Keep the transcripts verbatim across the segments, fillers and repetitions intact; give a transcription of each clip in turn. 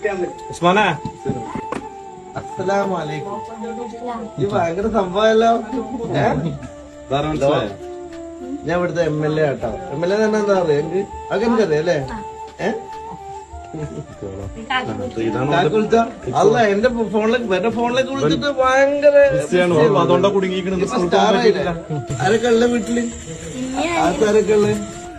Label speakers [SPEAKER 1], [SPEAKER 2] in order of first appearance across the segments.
[SPEAKER 1] ഉസ്മാനെ
[SPEAKER 2] അസ്സലാമലൈക്കും. ഈ ഭയങ്കര സംഭവമല്ലോ. ഞാൻ ഇവിടുത്തെ എം എൽ എ ആട്ടോ. എം എൽ എ തന്നെ എന്താ പറയാ എനിക്ക് അതൊക്കെ എനിക്കറിയാം അല്ലേ? ഏഹ് വിളിച്ച അല്ല എന്റെ ഫോണിലേക്ക് എന്റെ ഫോണിലേക്ക് വിളിച്ചിട്ട് ഭയങ്കര
[SPEAKER 1] അതുകൊണ്ടാ കുടുങ്ങിയിരിക്കണത്.
[SPEAKER 2] ആരൊക്കെ ഉള്ള വീട്ടില്? ആർക്കാരൊക്കെ ഉള്ള?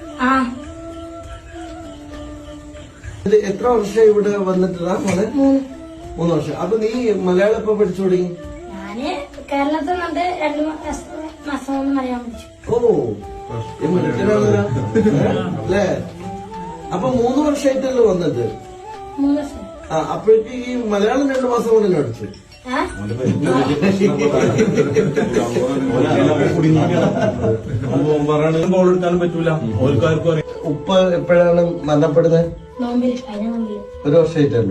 [SPEAKER 2] എത്ര വർഷം ഇവിടെ വന്നിട്ടാ മോനെ? മൂന്ന് വർഷം. അപ്പൊ നീ മലയാളം ഇപ്പൊ പഠിച്ചു തുടങ്ങി?
[SPEAKER 3] ഞാന് കേരളത്തിൽ നിന്നിട്ട് രണ്ടു മാസം കൊണ്ട് മലയാളം പഠിച്ചു.
[SPEAKER 2] ഓ ഈ മിടുക്കനാണല്ലോ അല്ലേ? അപ്പൊ മൂന്ന് വർഷമായിട്ടല്ലോ വന്നത്?
[SPEAKER 3] മൂന്ന് വർഷം.
[SPEAKER 2] ആ അപ്പോഴേക്ക് ഈ മലയാളം രണ്ടു മാസം കൊണ്ട് തന്നെ പഠിച്ചു.
[SPEAKER 1] ബോളെടുക്കാനും പറ്റൂല. ഓർക്കാർക്കും
[SPEAKER 2] ഉപ്പ എപ്പോഴാണ് മരണപ്പെടുന്നത്?
[SPEAKER 3] നോമ്പില് കഴിഞ്ഞ നോമ്പില്.
[SPEAKER 2] ഒരു വർഷമായിട്ടല്ലോ.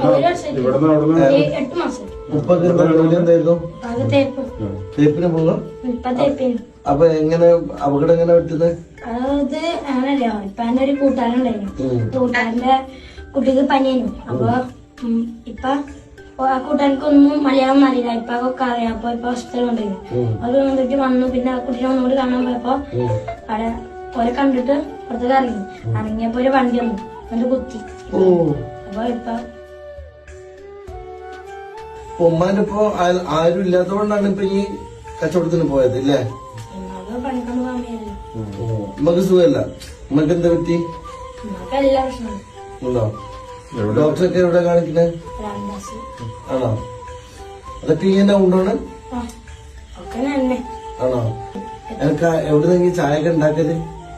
[SPEAKER 3] എട്ട് മാസം.
[SPEAKER 2] ഉപ്പൊക്കെ ജോലി എന്തായിരുന്നു?
[SPEAKER 3] അത് തേപ്പ്.
[SPEAKER 2] തേപ്പിന് പോകാം.
[SPEAKER 3] ഇപ്പൊ തേപ്പിന്.
[SPEAKER 2] അപ്പൊ എങ്ങനെ അപകടം എങ്ങനെ പറ്റുന്നത്?
[SPEAKER 3] അത് അങ്ങനല്ലോ. ഇപ്പൊ എന്റെ ഒരു കൂട്ടുകാരൻ ഉണ്ടായിരുന്നു. കൂട്ടുകാരന്റെ കുട്ടിക്ക് പനിയായിരുന്നു. അപ്പൊ ഇപ്പൊ ആ കൂട്ടുകാർക്കൊന്നും മലയാളം അറിയില്ല. ഇപ്പൊ ഒക്കെ അറിയാം. അപ്പൊ ഇപ്പൊ ഹോസ്പിറ്റലിൽ കൊണ്ടുപോയി. അത് വന്നിട്ട് വന്നു. പിന്നെ ആ കുട്ടീനെ ഒന്നുകൂടി കാണാൻ പോയപ്പോ അവിടെ ഓരെ കണ്ടിട്ട് പുറത്തേക്ക് ഇറങ്ങി. ഇറങ്ങിയപ്പോ ഒരു വണ്ടി വന്നു. എന്നിട്ട് കുത്തി. അപ്പൊ ഇപ്പൊ
[SPEAKER 2] ഉമ്മാന്റെ ഇപ്പൊ ആരും ഇല്ലാത്തതുകൊണ്ടാണ് ഇപ്പൊ ഈ കച്ചവടത്തിന് പോയത് ഇല്ലേ?
[SPEAKER 3] പണിക്കൊണ്ട് പോകാൻ വയ്യല്ലോ.
[SPEAKER 2] ഉമ്മക്ക് സുഖമല്ല. ഉമ്മക്ക് എന്താ പറ്റി?
[SPEAKER 3] ഉമ്മക്ക് എല്ലാ പ്രശ്നമാണ്.
[SPEAKER 2] ഉണ്ടോ? ഡോക്ടറൊക്കെ എവിടെ കാണിക്കണേ? ആണോ? അതൊക്കെ ഇങ്ങനെ ഉണ്ടോണ്? ആണോ? എനിക്ക് എവിടുന്നെങ്കിൽ ചായ ഒക്കെ ഉണ്ടാക്കല്?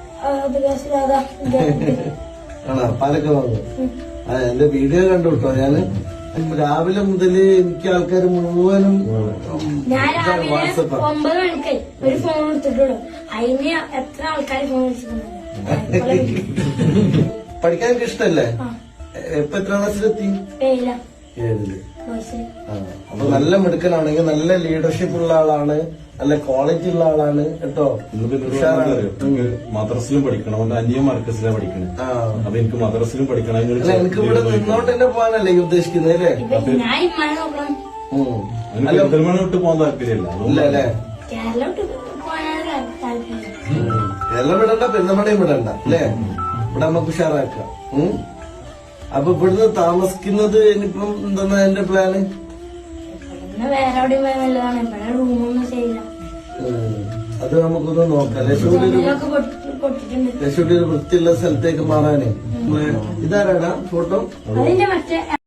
[SPEAKER 2] ആണോ? പാലൊക്കെ വാങ്ങും. ആ എന്റെ വീഡിയോ കണ്ടു കേട്ടോ. ഞാന് രാവിലെ മുതല് എനിക്ക് ആൾക്കാർ മുഴുവനും
[SPEAKER 3] ഞാൻ രാവിലെ ഒമ്പത് മണിക്ക് ഒരു ഫോൺ എടുത്തിട്ടുള്ളൂ. അതിന് എത്ര ആൾക്കാർ ഫോൺ വിളിച്ചിട്ടുണ്ടല്ലോ.
[SPEAKER 2] പഠിക്കാൻ എനിക്ക് ഇഷ്ടല്ലേ? ഇപ്പൊ എത്ര ക്ലാസ്സിലെത്തി? ഏഴില്. അപ്പൊ നല്ല മിടുക്കനാണെങ്കിൽ നല്ല ലീഡർഷിപ്പ് ഉള്ള ആളാണ്, നല്ല ക്വാളിറ്റി ഉള്ള ആളാണ് കേട്ടോ.
[SPEAKER 1] മദ്രസിലും പഠിക്കണം. അവന്റെ അന്യ മർക്കസിലാണ് പഠിക്കണേ. അപ്പൊ എനിക്ക് മദ്രസിലും പഠിക്കണം.
[SPEAKER 2] എനിക്ക് ഇവിടെ നിന്നോട്ട് തന്നെ പോകാനല്ലേ ഈ ഉദ്ദേശിക്കുന്നത് അല്ലേ?
[SPEAKER 1] പെരുന്തൽമണ്ണ വിട്ട് പോകാൻ താല്പര്യമില്ല.
[SPEAKER 2] ഇല്ല അല്ലേ? കേരളം വിടണ്ട, പെരുന്തൽമണ്ണയും വിടണ്ട അല്ലേ? ഇവിടെ നമുക്ക് ഉഷാറാക്കാം. അപ്പൊ ഇവിടുന്ന് താമസിക്കുന്നത് ഇനിയിപ്പം എന്താ എന്റെ പ്ലാന്?
[SPEAKER 3] വേറെ എവിടെയും പോയാൽ നല്ലതാണ്. ഇവിടെ റൂമൊന്നും ചെയ്യില്ല.
[SPEAKER 2] അത് നമുക്കൊന്ന് നോക്കാം. ലക്ഷ്മി ഒരു വൃത്തിയുള്ള സ്ഥലത്തേക്ക് മാറാനേ. ഇതാരാടാ ഫോട്ടോ?
[SPEAKER 3] അതിന്റെ മറ്റേ